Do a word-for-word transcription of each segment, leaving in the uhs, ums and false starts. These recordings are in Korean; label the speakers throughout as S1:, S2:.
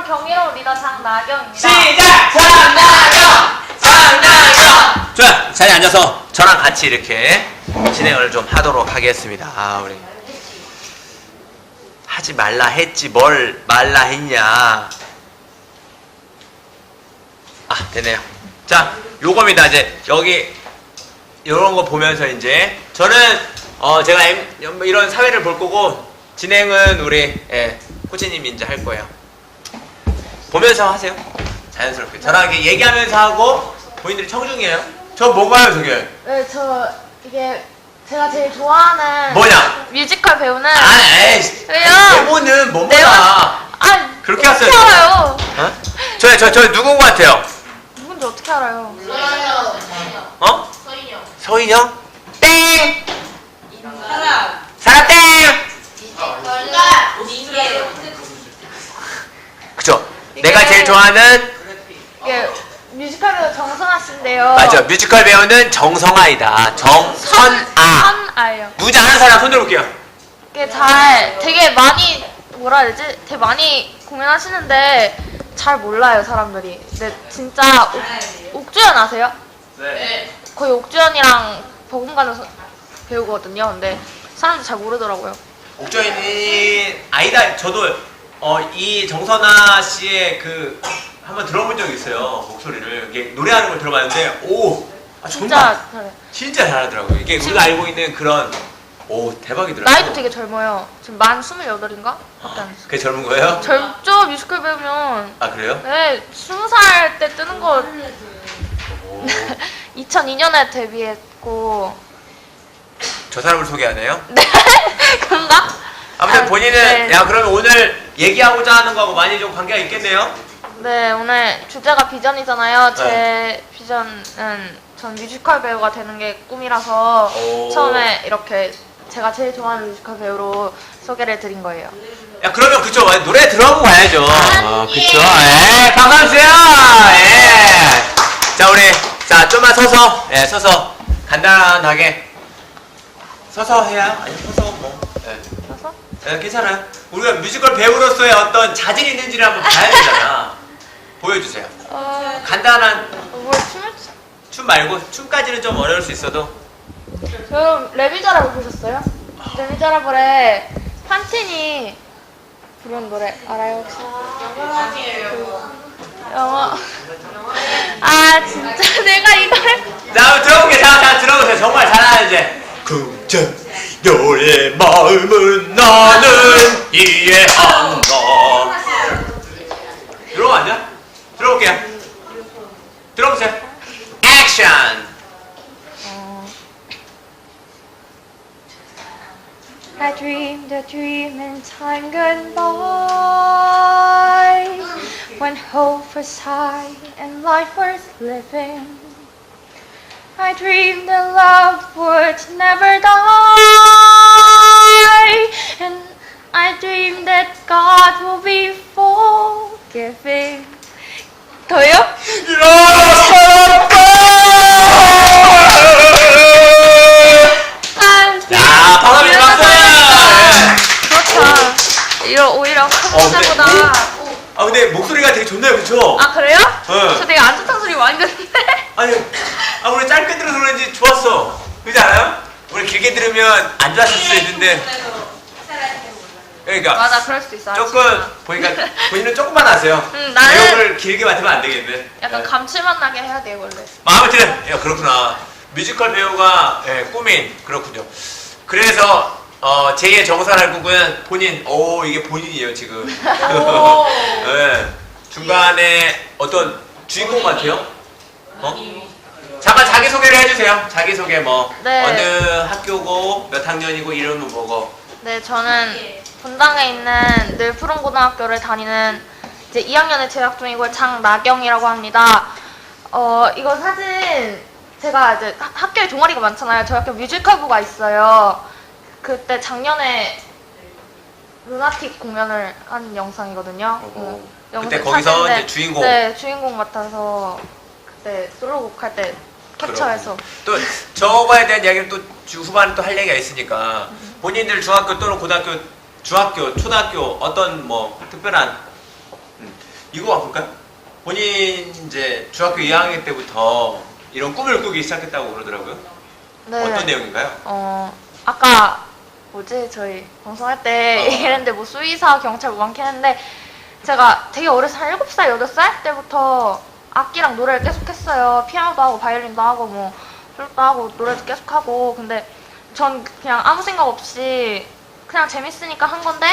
S1: 경이로운 리더 장나경입니다.
S2: 시작! 장나경! 장나경! 좋아요. 자리에 앉아서 저랑 같이 이렇게 진행을 좀 하도록 하겠습니다. 아, 우리 하지 말라 했지 뭘 말라 했냐. 아, 되네요. 자, 요겁니다. 이제 여기 이런 거 보면서 이제 저는 어 제가 M, 이런 사회를 볼 거고 진행은 우리 예, 코치님이 이제 할 거예요. 보면서 하세요. 자연스럽게. 저랑 이렇게 얘기하면서 하고 본인들이 청중이에요. 저 뭔가요, 저게?
S1: 네, 저 이게 제가 제일 좋아하는
S2: 뭐냐?
S1: 뮤지컬 배우는
S2: 아, 에이.
S1: 왜요?
S2: 네모는 뭐뭐다.
S1: 네모? 아,
S2: 그렇게
S1: 어떻게
S2: 하세요.
S1: 알아요?
S2: 어? 저, 저, 저 누군 것 같아요?
S1: 누군지 어떻게 알아요?
S2: 어?
S3: 서인영.
S2: 서인영? 땡!
S3: 사람.
S2: 사람 땡!
S3: 뭔가 이게
S2: 그쵸?
S1: 이게-
S2: 내가 제일 좋아하는
S1: 이게 뮤지컬 배우 정선아 씨인데요.
S2: 맞아. 뮤지컬 배우는 정성아이다. 정선아.
S1: 선아예요.
S2: 누군지 아는 사람 손 들어볼게요.
S1: 이게 잘 되게 많이 뭐라 해야 되지? 되게 많이 공연하시는데 잘 몰라요 사람들이. 근데 진짜 옥, 옥주연 아세요?
S2: 네.
S1: 거의 옥주연이랑 버금가는 서- 배우거든요. 근데 사람들 잘 모르더라고요.
S2: 옥저인이 아니다. 저도 어, 이 정선아 씨의 그 한번 들어본 적이 있어요. 목소리를 이게 노래하는 걸 들어봤는데 오, 아, 정말
S1: 진짜 잘해.
S2: 진짜 잘하더라고요. 이게 우리가 알고 있는 그런 오 대박이더라고요.
S1: 나이도 되게 젊어요. 지금 만 스물여덟인가? 밖에 안 했어.
S2: 그게 젊은 거예요?
S1: 젊죠? 뮤지컬 배우면.
S2: 아 그래요?
S1: 네, 스무 살 때 뜨는 거
S2: 오,
S1: 이천이 년에 데뷔했고.
S2: 저 사람을 소개하네요.
S1: 네, 그런가?
S2: 아무튼
S1: 아,
S2: 본인은
S1: 네.
S2: 야 그러면 오늘 얘기하고자 하는 거하고 많이 좀 관계가 있겠네요.
S1: 네, 오늘 주제가 비전이잖아요. 제
S2: 네.
S1: 비전은 전 뮤지컬 배우가 되는 게 꿈이라서
S2: 오.
S1: 처음에 이렇게 제가 제일 좋아하는 뮤지컬 배우로 소개를 드린 거예요.
S2: 야 그러면 그쵸 노래 들어보고 가야죠. 아, 그쵸. 예, 박수주세요. 예. 자 우리 자 좀만 서서 예 서서 간단하게 서서 해야 아니 서서 뭐 예.
S1: 그래서
S2: 예, 괜찮아요. 우리가 뮤지컬 배우로서의 어떤 자질이 있는지를 한번 봐야 되잖아. 보여주세요.
S1: 어,
S2: 간단한
S1: 뭘 춤을 추...
S2: 춤 말고 춤까지는 좀 어려울 수 있어도
S1: 여러분 레미제라블 보셨어요? 레미제라블에 판틴이 부른 노래 알아요 혹시?
S3: 영광이에요.
S1: 영어 아 진짜 내가 이 노래
S2: 자 한번 들어볼게요. 자, 자 들어보세요. 정말 잘하는지. 긍정 너의 마음은 나는 이해한다. 들어보 앉아? 들어볼게요. 들어보세요. 액션.
S1: 어. I dreamed a dream in time gone by when hope was high and life worth living. I dreamed that love would never die, and I dreamed that God will be forgiving. 더요? 아,
S2: 자, 박수 좀 박수!
S1: 그렇죠. 이런 오히려
S2: 어, 근데
S1: 컴퓨터보다.
S2: 아 근데 목소리가 되게 좋네요, 그쵸?
S1: 아 그래요?
S2: 네.
S1: 저 되게 안 좋다는 소리 많이 듣는데.
S2: 아니, 아 우리 짧게 들어서 그런지 좋았어. 그렇지 않아요? 우리 길게 들으면 안 좋았을 수도 있는데. 그러니까
S1: 맞아, 그럴 수도 있어.
S2: 조금 보니까 본인은 조금만 하세요.
S1: 음, 나는-
S2: 내용을 길게 맡으면 안 되겠네.
S1: 약간
S2: 네.
S1: 감칠맛 나게 해야 돼 원래.
S2: 아, 아무튼 야, 그렇구나. 뮤지컬 배우가 예, 꿈인 그렇군요. 그래서 어, 제이의 정선할 곡은 본인. 오 이게 본인이에요 지금.
S3: 오.
S2: 예, 중간에 어떤 주인공 같아요. 어? 잠깐 자기 소개를 해주세요. 자기 소개 뭐
S1: 네.
S2: 어느 학교고 몇 학년이고 이름은 뭐고.
S1: 네, 저는 분당에 있는 늘푸른고등학교를 다니는 이제 이 학년에 재학 중이고 장나경이라고 합니다. 어, 이거 사진 제가 이제 하- 학교에 동아리가 많잖아요. 저희 학교 뮤지컬부가 있어요. 그때 작년에 루나틱 공연을 한 영상이거든요.
S2: 어허.
S1: 그 영상
S2: 그때 거기서
S1: 사진인데,
S2: 이제 주인공.
S1: 네, 주인공 맡아서 그때 솔로곡 할 때 캡처해서.
S2: 또 저거에 대한 이야기는 또 주 후반에 또 할 얘기가 있으니까 본인들 중학교 또는 고등학교, 중학교, 초등학교 어떤 뭐 특별한 음. 이거 와볼까요? 본인 이제 중학교 이 학년 때부터 이런 꿈을 꾸기 시작했다고 그러더라고요.
S1: 네.
S2: 어떤 내용인가요?
S1: 어, 아까 뭐지 저희 방송할 때
S2: 어.
S1: 얘기했는데 뭐 수의사, 경찰 뭐 많긴 했는데 제가 되게 어려서 한 일곱 살, 여덟 살 때부터 악기랑 노래를 계속 했어요. 피아노도 하고 바이올린도 하고 뭐 플루트도 하고 노래도 계속 하고 근데 전 그냥 아무 생각 없이 그냥 재밌으니까 한 건데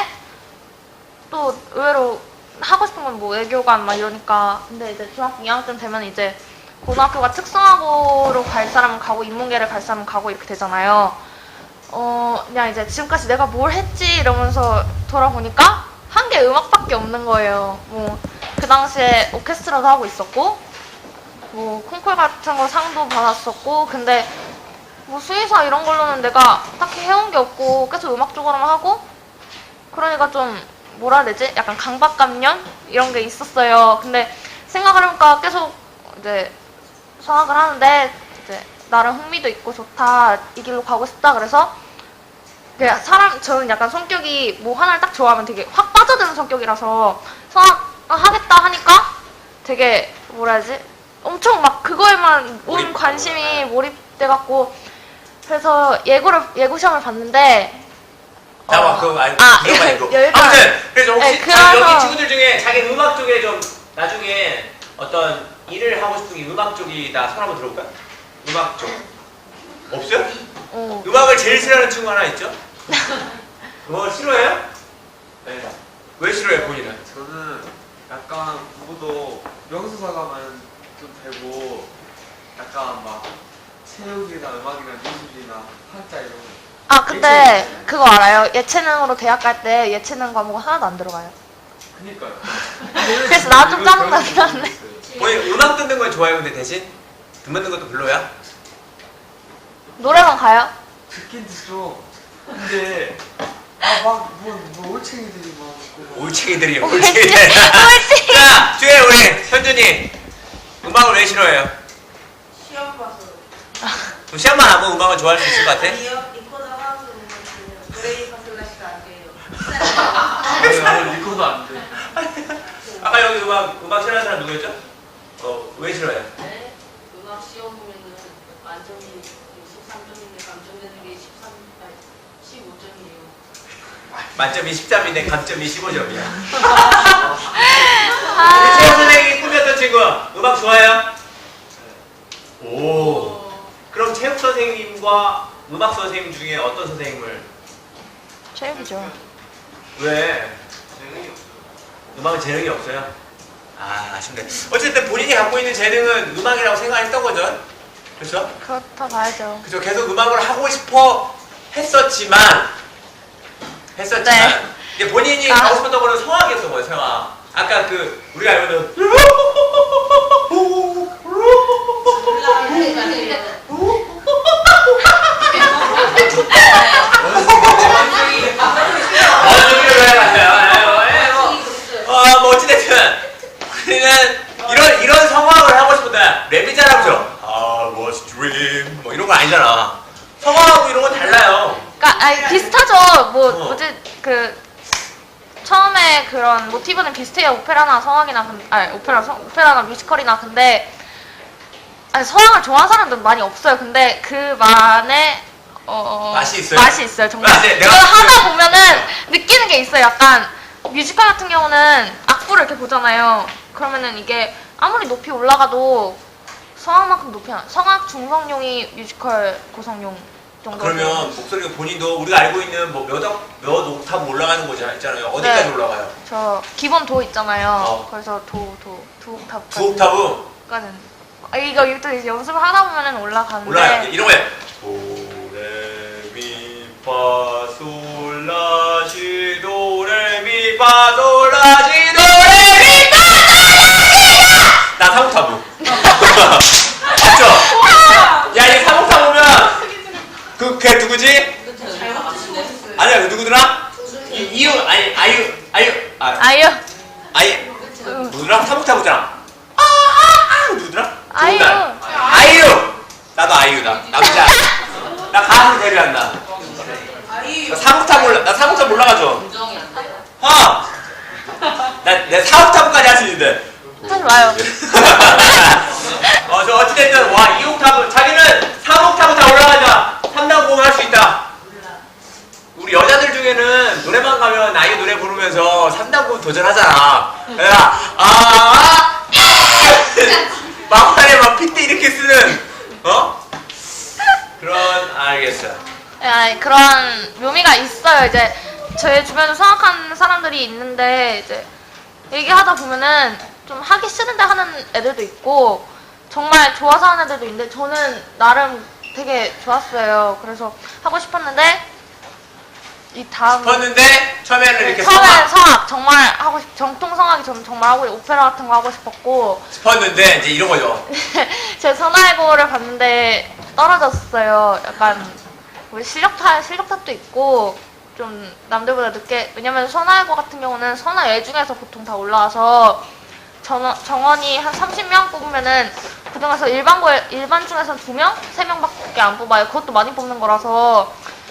S1: 또 의외로 하고 싶은 건 뭐 외교관 막 이러니까 근데 이제 중학교 이 학년 되면 이제 고등학교가 특성화고로 갈 사람은 가고 인문계를 갈 사람은 가고 이렇게 되잖아요. 어 그냥 이제 지금까지 내가 뭘 했지 이러면서 돌아보니까 한 게 음악밖에 없는 거예요. 뭐 그 당시에 오케스트라도 하고 있었고 뭐 콩쿨 같은 거 상도 받았었고 근데 뭐 수의사 이런 걸로는 내가 딱히 해온 게 없고 계속 음악 쪽으로만 하고 그러니까 좀 뭐라 해야 되지? 약간 강박감년 이런 게 있었어요. 근데 생각을 해보니까 계속 이제 성악을 하는데 이제 나름 흥미도 있고 좋다 이 길로 가고 싶다 그래서 그냥 사람 저는 약간 성격이 뭐 하나를 딱 좋아하면 되게 확 빠져드는 성격이라서 성악 하겠다 하니까 되게 뭐라 해야지? 엄청 막 그거에만 온
S2: 몰입.
S1: 관심이 몰입돼갖고 그래서 예고를 예고 시험을 봤는데
S2: 잠깐만
S1: 어.
S2: 그거 아니
S1: 아,
S2: 그거 말고
S1: 여기까지.
S2: 아무튼 그래서 혹시
S1: 네,
S2: 자,
S1: 그래서-
S2: 여기 친구들 중에 자기 음악 쪽에 좀 나중에 어떤 일을 하고 싶은 게 음악 쪽이다 손 한번 들어볼까요? 음악 쪽 없어요?
S1: 어,
S2: 음악을 제일 싫어하는 친구 하나 있죠? 뭐 싫어해요? 네. 왜 싫어해요 본인은?
S4: 저는 약간 부부도 명수사가만 좀 되고 약간 막 체육이나 음악이나 미술이나 한자 이런 거
S1: 아 근데 그거 알아요? 예체능으로 대학 갈 때 예체능 과목 하나도 안 들어가요.
S4: 그니까요.
S1: 그래서 나도 좀 짜증나긴 한데.
S2: 본인 음악 듣는 건 좋아요 근데 대신 듣는 것도 별로야?
S1: 노래방 가요?
S4: 듣긴 듣죠. 근데 아막뭐 뭐 올챙이들이 막 있고
S2: 올챙이들이
S1: 올챙이.
S2: 올챙이들
S1: 올챙이.
S2: 자 뒤에 우리 현준이 음악을 왜 싫어해요?
S3: 시험 봐서.
S2: 그럼 시험만 하고 음악을 좋아할 수 있을 것 같아?
S3: 아니요, 리코더 하우스 보면 브레이 파슬라시가 안 돼요.
S4: 나는 리코도 안 돼.
S2: 아까 여기 음악 음악 싫어하는 사람 누구였죠? 어 왜 싫어해요?
S3: 네, 음악 시험 보면은 만점이 십삼 점인데 감점되는 게 십삼, 아니 십오 점이에요.
S2: 만점이 십삼인데 감점이 십오 점이야.
S1: 아.
S2: 우리 체육 선생님이 꿈이었던 친구 음악 좋아해요? 오. 그럼 체육 선생님과 음악 선생님 중에 어떤 선생님을
S1: 체육이죠.
S2: 왜?
S4: 재능이 없어요.
S2: 음악은 재능이 없어요? 아 아쉽네. 어쨌든 본인이 갖고 있는 재능은 음악이라고 생각했던 거죠? 그렇죠?
S1: 그렇다 봐야죠.
S2: 그죠? 계속 음악을 하고 싶어 했었지만 했었지만
S1: 네.
S2: 이제 본인이
S1: 아.
S2: 가고 싶었던 거는 성악이었던 거예요. 성악. 아까 그 우리가 알고는 어, 뭐 어찌됐든 우리는 이런 이런 성악을 하고 싶었다. 랩이 잘하죠. I was dream 뭐 이런 거 아니잖아. 성악하고 이런 건 달라요.
S1: 그러니까 아니 비슷하죠. 뭐
S2: 어.
S1: 뭐지 그 처음에 그런 모티브는 비슷해요. 오페라나 성악이나 근- 아니 오페라 성, 오페라나 뮤지컬이나 근데 아니 성악을 좋아하는 사람들은 많이 없어요. 근데 그만의 어
S2: 맛이 있어요?
S1: 맛이 있어요. 정말.
S2: 아, 네, 내가
S1: 그걸
S2: 그-
S1: 하다 보면은 느끼는 게 있어요. 약간 뮤지컬 같은 경우는 악보를 이렇게 보잖아요. 그러면은 이게 아무리 높이 올라가도 성악만큼 높이 안 성악 중성용이 뮤지컬 고성용 정도.
S2: 그러면 목소리가 본인도 우리가 알고 있는 뭐몇몇 옥탑 올라가는 거잖아 있잖아요. 어디까지
S1: 네.
S2: 올라가요?
S1: 저 기본 도 있잖아요.
S2: 어.
S1: 그래서 도, 도, 두 옥탑.
S2: 두 옥타브
S1: 까지는. 아, 이거 이것도 이제 연습을 하다 보면은 올라가는데.
S2: 올라가요. 이런 거예요. 도레미파솔라시 도레미파솔라시 도레미파솔라시 나 삼옥타브. 맞죠? 야, 이 삼옥타브면 그 걔 누구지?
S3: 잘못 드시고
S2: 아니야, 그 누구더라? 이, 이유 아니 아유 아유 아
S1: 아유.
S2: 아예
S1: 응.
S2: 누구더라? 삼옥타브잖아. 아, 아, 아, 누구더라?
S1: 아이유.
S2: 좋은 날. 아이유. 나도 아이유다. 남자. 나 가수 데뷔한다.
S3: 아이
S2: 나 삼옥탑 몰라. 나 삼옥탑 몰라가죠.
S3: 인정이 안 돼요.
S2: 어. 나내 사 옥타브까지 할 수 있는데.
S1: 하지 마요.
S2: 어, 저 어찌됐든 와 이 옥타브 자기는 삼 옥타브 다 올라가자. 삼 단 고음 할 수 있다. 우리 여자들 중에는 노래방 가면 아이 노래 부르면서 삼 단 고음 도전하잖아. 야, 아, 막판에 막 핏대 이렇게 쓰는 어? 그런 알겠어.
S1: 예, 아니, 그런 묘미가 있어요. 이제 제 주변에 성악하는 사람들이 있는데 이제 얘기하다 보면은 좀 하기 싫은데 하는 애들도 있고 정말 좋아서 하는 애들도 있는데 저는 나름 되게 좋았어요. 그래서 하고 싶었는데 이 다음
S2: 싶었는데 처음에는 이렇게
S1: 처음엔
S2: 성악
S1: 성악 정말 하고 싶 정통 성악이 저는 정말 하고 오페라 같은 거 하고 싶었고
S2: 싶었는데 이제 이런 거죠.
S1: 제 선화해고를 봤는데 떨어졌어요. 약간 우리 실력 탓 실력 탓도 있고 좀 남들보다 늦게 왜냐면 선화해고 같은 경우는 선화예 중에서 보통 다 올라와서 정, 정원이 한 삼십 명 뽑으면은 그 중에서 일반고 일반 중에서 두 명, 세 명밖에 안 뽑아요. 그것도 많이 뽑는 거라서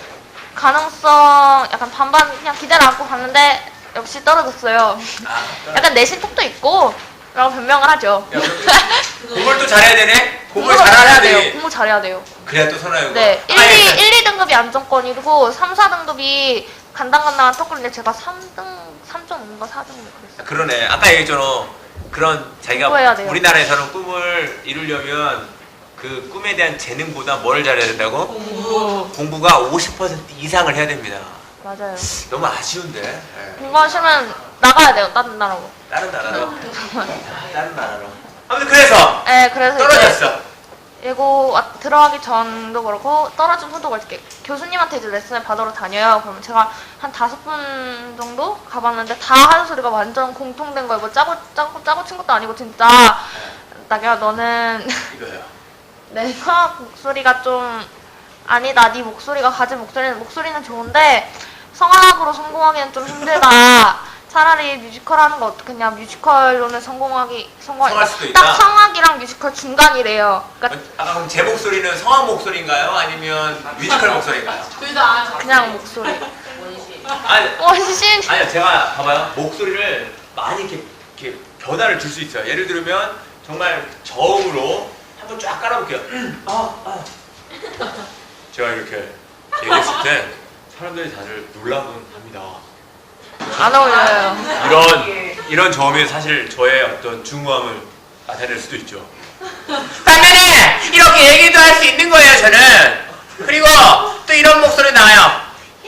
S1: 가능성 약간 반반 그냥 기대를 안고 갔는데 역시 떨어졌어요.
S2: 아,
S1: 약간 내신 톡도 있고 라고 변명을 하죠.
S2: 야, 공부를 또 잘해야 되네? 공부를
S1: 공부가
S2: 잘해야
S1: 돼요.
S2: 돼.
S1: 공부 잘해야 돼요.
S2: 그래야 또 선호하고.
S1: 네, 일,
S2: 아니,
S1: 이, 일, 이 등급이 안정권이고 삼, 사 등급이 간당간당한 토크인데 제가 삼 등, 삼 점 오인가 사 등 그랬어요.
S2: 그러네. 아까 얘기했잖아. 그런 자기가
S1: 공부해야 돼요.
S2: 우리나라에서는 꿈을 이루려면 그 꿈에 대한 재능보다 뭘 잘해야 된다고?
S3: 공부.
S2: 공부가 오십 퍼센트 이상을 해야 됩니다.
S1: 맞아요.
S2: 너무 아쉬운데. 예.
S1: 공부하시면 나가야 돼요, 다른 나라로.
S2: 다른 나라로. 다른 나라로. 아무튼 그래서
S1: 네, 그래서 이제
S2: 떨어졌어.
S1: 예고 와- 들어가기 전도 그렇고 떨어진 후도 그렇게 교수님한테 이제 레슨을 받으러 다녀요. 그러면 제가 한 다섯 분 정도 가봤는데 다 하는 소리가 완전 공통된 거예요. 뭐 짜고 짜고 짜고 친 것도 아니고 진짜 나야 너는
S2: 이거요.
S1: 내 성악 목소리가 좀 아니다. 네 목소리가 가진 목소리는 목소리는 좋은데 성악으로 성공하기는 좀 힘들다. 차라리 뮤지컬 하는 거 어떻겠냐. 뮤지컬로는 성공하기 성공
S2: 성공할 수도
S1: 딱
S2: 있다.
S1: 성악이랑 뮤지컬 중간이래요. 그러니까
S2: 아, 그럼 제 목소리는 성악 목소리인가요? 아니면 뮤지컬 목소리인가요?
S3: 둘다
S1: 그냥 목소리.
S3: 원시.
S2: 아니,
S1: 원신.
S2: 아니요, 제가 봐봐요. 목소리를 많이 이렇게, 이렇게 변화를 줄 수 있어요. 예를 들면 정말 저음으로 한번 쫙 깔아볼게요. 아, 아. 제가 이렇게 얘기했을 때 사람들이 다들 놀라곤 합니다.
S1: 안 어울려요.
S2: 이런 이런 저음이 사실 저의 어떤 중후함을 나타낼 수도 있죠. 반면에 이렇게 얘기도 할 수 있는 거예요, 저는. 그리고 또 이런 목소리 나와요.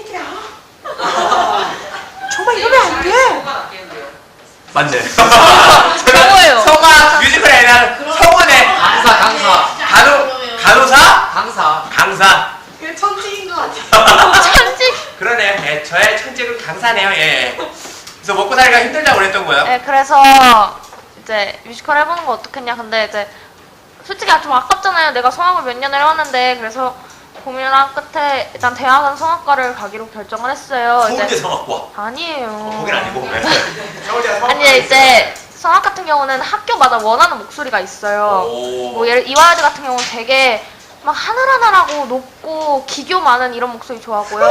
S1: 정말 이러면 안 돼.
S2: 맞네.
S1: 성우예요.
S2: 성악 뮤지컬에 대한 성우네.
S4: 강사 강사
S2: 간호 간호사?
S4: 강사
S2: 강사.
S3: 그 천지인 것 같아.
S1: 천지.
S2: 그러네. 예, 저의 천재는 강사네요. 예. 그래서 먹고 살기가 힘들다고 그랬던 거예요.
S1: 네, 그래서 이제 뮤지컬 해보는 거 어떻겠냐. 근데 이제 솔직히 좀 아깝잖아요. 내가 성악을 몇 년을 해왔는데 그래서 고민을 한 끝에 일단 대학은 성악과를 가기로 결정을 했어요.
S2: 서울대
S1: 이제
S2: 성악과.
S1: 아니에요.
S2: 어, 거긴 아니고. 네. 서울대 성악과.
S1: 아니 이제 성악 같은 경우는 학교마다 원하는 목소리가 있어요.
S2: 오.
S1: 뭐 예를 이화여대 같은 경우는 되게 막 하늘하늘하고 높고 기교 많은 이런 목소리 좋아하고요.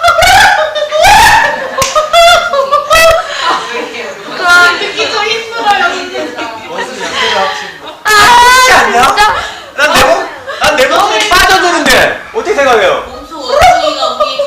S1: 그런
S3: 듣기 좀 힘들어요.
S4: 원숭이 약속을 합치고
S1: 아
S2: 않냐?
S1: 진짜
S2: 난내 목, 난내 목소리 빠져드는데 어떻게 생각해요?
S3: 몸소 원숭이가 우리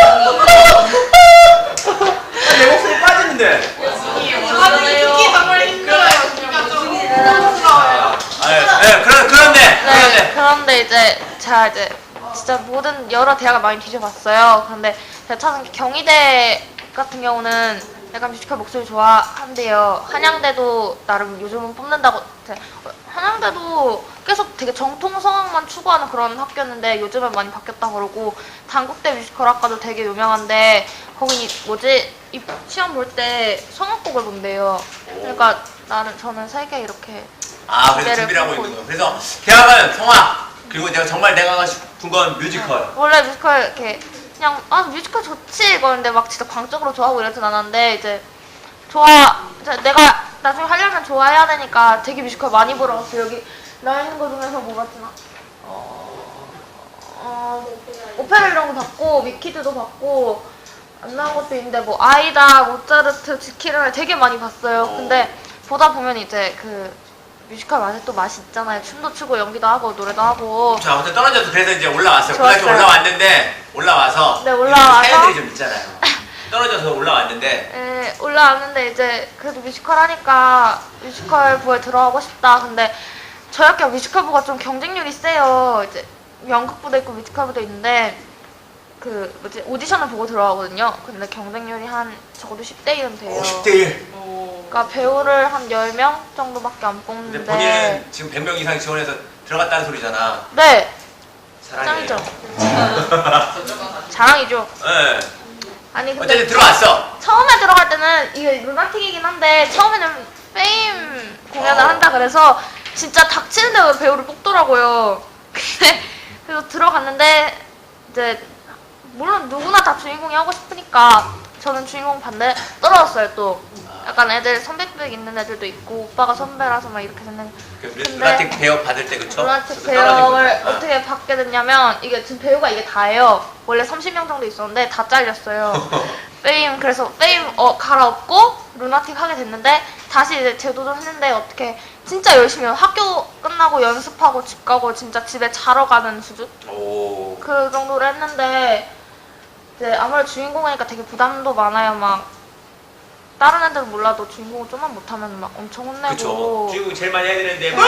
S2: 난내 목소리 빠지는데.
S3: 듣기 정말 힘들어요. 그러니까 좀 부끄러워요.
S2: 아, 네, 그런 그런데
S1: 네,
S2: 그런데.
S1: 그런데 이제 제가 이제 진짜 모든 여러 대학을 많이 뒤져봤어요. 그런데 제가 찾은 게 경희대 같은 경우는 약간 뮤지컬 목소리 좋아한대요. 한양대도 나름 요즘은 뽑는다고. 제- 한양대도 계속 되게 정통 성악만 추구하는 그런 학교였는데 요즘은 많이 바뀌었다 그러고 단국대 뮤지컬 학과도 되게 유명한데 거기 뭐지 이 시험 볼 때 성악곡을 본대요. 그러니까 나는 저는 세 개 이렇게
S2: 아, 그래서
S1: 기대를
S2: 준비를 하고
S1: 품고
S2: 있는 거예요. 그래서 대학은 성악 그리고 내가 정말 내가 하고 싶은 건 뮤지컬.
S1: 원래 뮤지컬 이렇게 그냥 아 뮤지컬 좋지 이거는데 막 진짜 광적으로 좋아하고 이러진 않았는데 이제 좋아 이제 내가 나중에 하려면 좋아해야 되니까 되게 뮤지컬 많이 보러 갔어. 여기 나 있는 거 중에서 뭐 봤지나 어, 어 오페라 이런 거 봤고 위키드도 봤고 안 나온 것도 있는데 뭐 아이다, 모차르트, 지키를 되게 많이 봤어요.
S2: 어.
S1: 근데 보다 보면 이제 그 뮤지컬 맛에 또 맛이 있잖아요. 춤도 추고 연기도 하고 노래도 하고.
S2: 자, 아무튼 떨어져서 그래서 이제 올라왔어요.
S1: 좋았어요.
S2: 고등학교 올라왔는데 올라와서
S1: 네, 올라와서.
S2: 이런 사연들이 좀 있잖아요. 떨어져서 올라왔는데
S1: 예, 올라왔는데 이제 그래도 뮤지컬 하니까 뮤지컬 부에 들어가고 싶다. 근데 저희 학교 뮤지컬부가 좀 경쟁률이 세요. 이제 연극부도 있고 뮤지컬부도 있는데 그 뭐지 오디션을 보고 들어가거든요. 근데 경쟁률이 한 적어도 십 대 일은 돼요.
S2: 오, 십 대 일.
S3: 어,
S1: 그러니까 배우를 한 열 명 정도밖에 안
S2: 근데
S1: 뽑는데.
S2: 본인은 지금 백 명 이상 지원해서 들어갔다는 소리잖아.
S1: 네,
S2: 사랑해요.
S1: 짱이죠. 자랑이죠.
S2: 네.
S1: 아니 근데
S2: 어쨌든 들어왔어.
S1: 처음에 들어갈 때는 이게 루나틱이긴 한데 처음에는 페임 공연을
S2: 어.
S1: 한다 그래서 진짜 닥치는 대로 배우를 뽑더라고요. 근데 그래서 들어갔는데 이제 물론 누구나 다 주인공이 하고 싶으니까 저는 주인공 반대 떨어졌어요. 또 약간 애들 선배백 있는 애들도 있고 오빠가 선배라서 막 이렇게 됐는데
S2: 그
S1: 근데
S2: 루나틱 배역 받을 때 그쵸?
S1: 루나틱
S2: 그래서 떨어진
S1: 배역을
S2: 거죠. 아.
S1: 어떻게 받게 됐냐면 이게 지금 배우가 이게 다예요. 원래 삼십 명 정도 있었는데 다 잘렸어요. 페임 그래서 페임 어, 갈아엎고 루나틱 하게 됐는데 다시 이제 재도전했는데 어떻게 진짜 열심히 해요. 학교 끝나고 연습하고 집 가고 진짜 집에 자러 가는 수준?
S2: 오.
S1: 그 정도로 했는데 이제 아무래도 주인공이니까 되게 부담도 많아요. 막 다른 애들은 몰라도 주인공을 좀만 못하면 막 엄청 혼내고
S2: 그쵸. 주인공 제일 많이 해야 되는데 뭐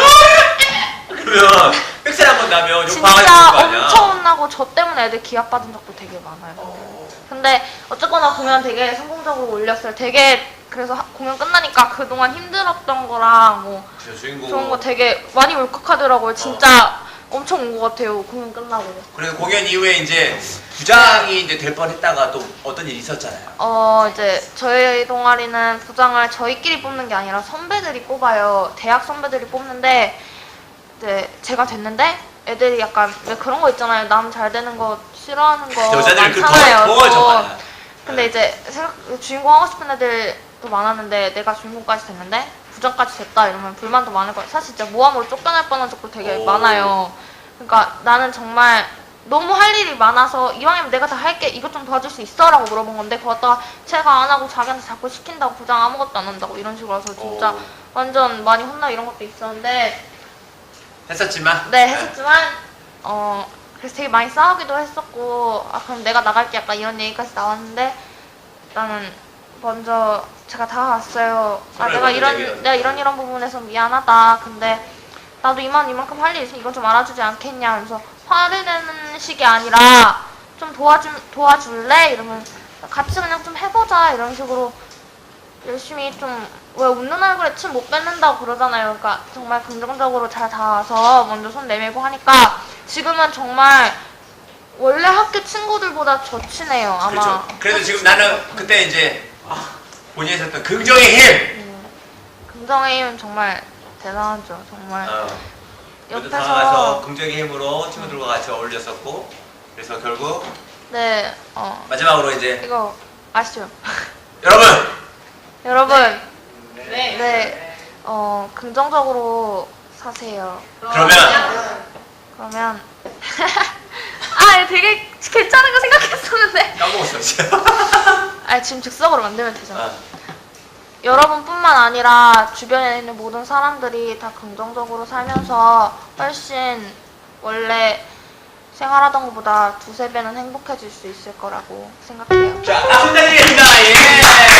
S2: 그러면 흑살 한번 나면 욕
S1: 진짜
S2: 박아줄 거 아니야.
S1: 엄청 혼나고 저 때문에 애들 기합 받은 적도 되게 많아요.
S2: 어.
S1: 근데 어쨌거나 공연 되게 성공적으로 올렸어요. 되게 그래서 하- 공연 끝나니까 그동안 힘들었던 거랑 뭐
S2: 그쵸, 주인공.
S1: 좋은 거 되게 많이 울컥하더라고요. 진짜 엄청 온 것 같아요. 공연 끝나고.
S2: 그래서 공연 이후에 이제 부장이 이제 될 뻔했다가 또 어떤 일이 있었잖아요.
S1: 어 이제 저희 동아리는 부장을 저희끼리 뽑는 게 아니라 선배들이 뽑아요. 대학 선배들이 뽑는데 이제 제가 됐는데 애들이 약간 왜 그런 거 있잖아요. 남 잘 되는 거 싫어하는 거
S2: 여자들 그
S1: 많잖아요.
S2: 더, 더
S1: 또.
S2: 정말.
S1: 근데 이제 생각 주인공 하고 싶은 애들도 많았는데 내가 주인공까지 됐는데 부장까지 됐다 이러면 불만도 많을 거예요. 사실 진짜 모함으로 쫓겨날 뻔한 적도 되게
S2: 오.
S1: 많아요. 그러니까 나는 정말 너무 할 일이 많아서 이왕이면 내가 다 할게 이것 좀 도와줄 수 있어? 라고 물어본 건데 그거 갖다가 제가 안 하고 자기한테 자꾸 시킨다고 부장 아무것도 안 한다고 이런 식으로 해서 진짜
S2: 오.
S1: 완전 많이 혼나 이런 것도 있었는데
S2: 했었지만.
S1: 네 했었지만 어 그래서 되게 많이 싸우기도 했었고 아 그럼 내가 나갈게 약간 이런 얘기까지 나왔는데 일단은 먼저 제가 다가왔어요. 아
S2: 손을
S1: 내가
S2: 먼저
S1: 이런
S2: 내밀었네.
S1: 내가 이런 이런 부분에서 미안하다. 근데 나도 이만 이만큼 할 일 있으니 이건 좀 알아주지 않겠냐. 하면서 화를 내는 식이 아니라 좀 도와주 도와줄래? 이러면 같이 그냥 좀 해보자 이런 식으로 열심히 좀 왜 웃는 얼굴에 침 못 뱉는다고 그러잖아요. 그러니까 정말 긍정적으로 잘 닿아서 먼저 손 내밀고 하니까 지금은 정말 원래 학교 친구들보다 더 친해요. 아마.
S2: 그렇죠. 그래서 지금 나는 그때 이제 본인이 했었던 긍정의 힘.
S1: 음, 긍정의 힘은 정말 대단하죠. 정말
S2: 어. 모두
S1: 옆에서
S2: 다가가서 긍정의 힘으로 친구들과 같이 어울렸었고 그래서 결국
S1: 네, 어
S2: 마지막으로 이제
S1: 이거 아시죠?
S2: 여러분
S1: 여러분,
S3: 네.
S1: 네, 어 긍정적으로 사세요.
S2: 그러면
S1: 그러면 아, 되게 괜찮은 거 생각했었는데.
S2: 까먹었어 진짜.
S1: 아, 지금 즉석으로 만들면 되잖아.
S2: 어.
S1: 여러분뿐만 아니라 주변에 있는 모든 사람들이 다 긍정적으로 살면서 훨씬 원래 생활하던 것보다 두세 배는 행복해질 수 있을 거라고 생각해요.
S2: 자, 박수 부탁드리겠습니다. 예.